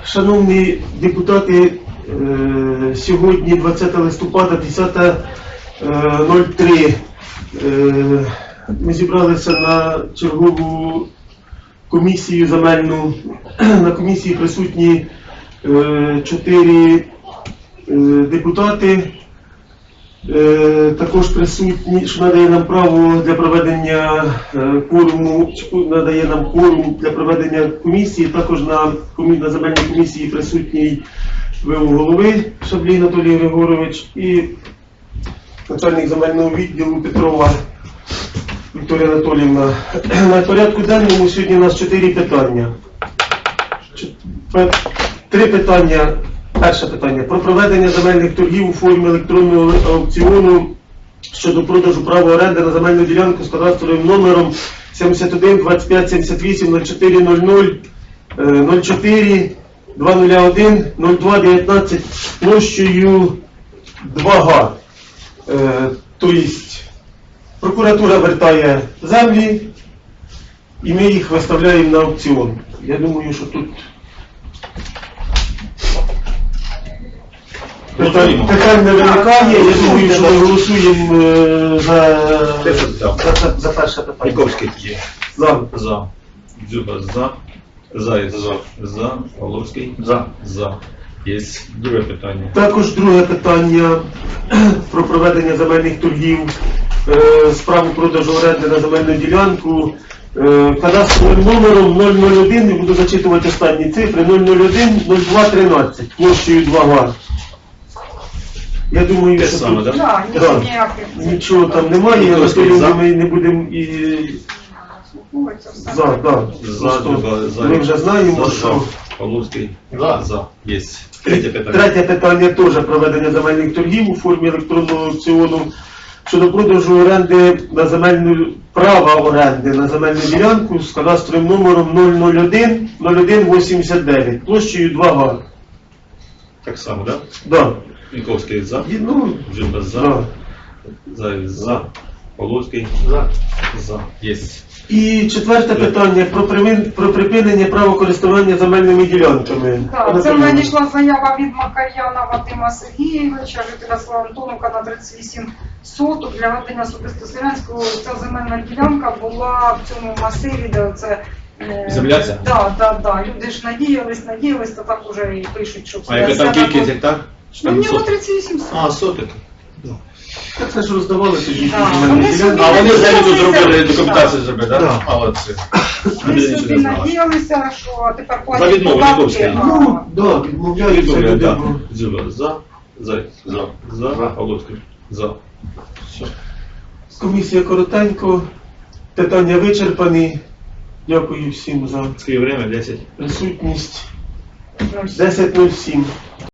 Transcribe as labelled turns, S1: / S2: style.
S1: Шановні депутати, сьогодні 20 листопада, 10:03. Ми зібралися на чергову комісію земельну. На комісії присутні 4 депутати. Також присутні, що надає нам право для проведення кворуму, надає нам кворум для проведення комісії. Також на земельній комісії присутній ВО голови Шаблій Анатолій Григорович і начальник земельного відділу Петрова Вікторія Анатоліївна. На порядку денному сьогодні у нас 4 питання. 3 питання. Перше питання. Про проведення земельних торгів у формі електронного аукціону щодо продажу права оренди на земельну ділянку з кадастровим номером 71 25 78 04 00 04 201 02 19 площею 2 га. Тобто прокуратура вертає землі і ми їх виставляємо на аукціон. Я думаю, що тут питань не виникає. Я думаю, що ми голосуємо за перше питання.
S2: Ніковський є.
S1: За.
S2: За. Дзюба за. Заєць за. Павловський за. Є друге питання.
S1: Також друге питання про проведення земельних торгів з правом продажу оренди на земельну ділянку. Кадастровим номером 001, я буду зачитувати останні цифри, 001 02 13, площею 2 га. Я думаю, що
S2: саме,
S1: тут
S3: Нічого
S1: нічого там немає, Анатолій, ми не будемо і ми вже знаємо, що
S2: Павловський за. Є. Третє питання.
S1: Третє питання теж проведення земельних торгів у формі електронного аукціону щодо продажу оренди на земельну права оренди на земельну ділянку з кадастровим номером 001 0189, площею 2 га.
S2: Так само, так?
S1: Да.
S2: Ніковський за.
S1: Ну,
S2: Дзюба за.
S1: да.
S2: Заєць за. Павловський за. Є.
S1: І четверте питання про припинення права користування земельними ділянками.
S3: Так, це надійшла заява від Макар'яна Вадима Сергійовича, жителя села Антоновка на 38 соток для ведення особисто селянського. Ця земельна ділянка була в цьому масиві, де це
S2: Земля ця?
S3: Так. Люди ж надіялись, то так уже і пишуть, що
S2: А яка там кількість гектар?
S3: Ну, в нього 38 соток.
S2: А, соток.
S1: Так це ж роздавали тоді.
S3: Да.
S1: земельні ділянки.
S2: А вони взагалі тут зробили документацію зробили, так?
S1: Да.
S2: Молодці.
S3: Ми собі надіялися, що тепер
S2: За
S3: платять
S2: відмову
S3: податки.
S2: Ніковський.
S1: Ну, да, відмовляються
S2: Відмовляю,
S1: люди.
S2: так. Дзюба за. Заєць за. Павловський за. Все.
S1: Комісія коротенько, питання вичерпані. Дякую всім за
S2: Скільки время? 10.
S1: присутність.
S3: Ну,
S1: 10:07.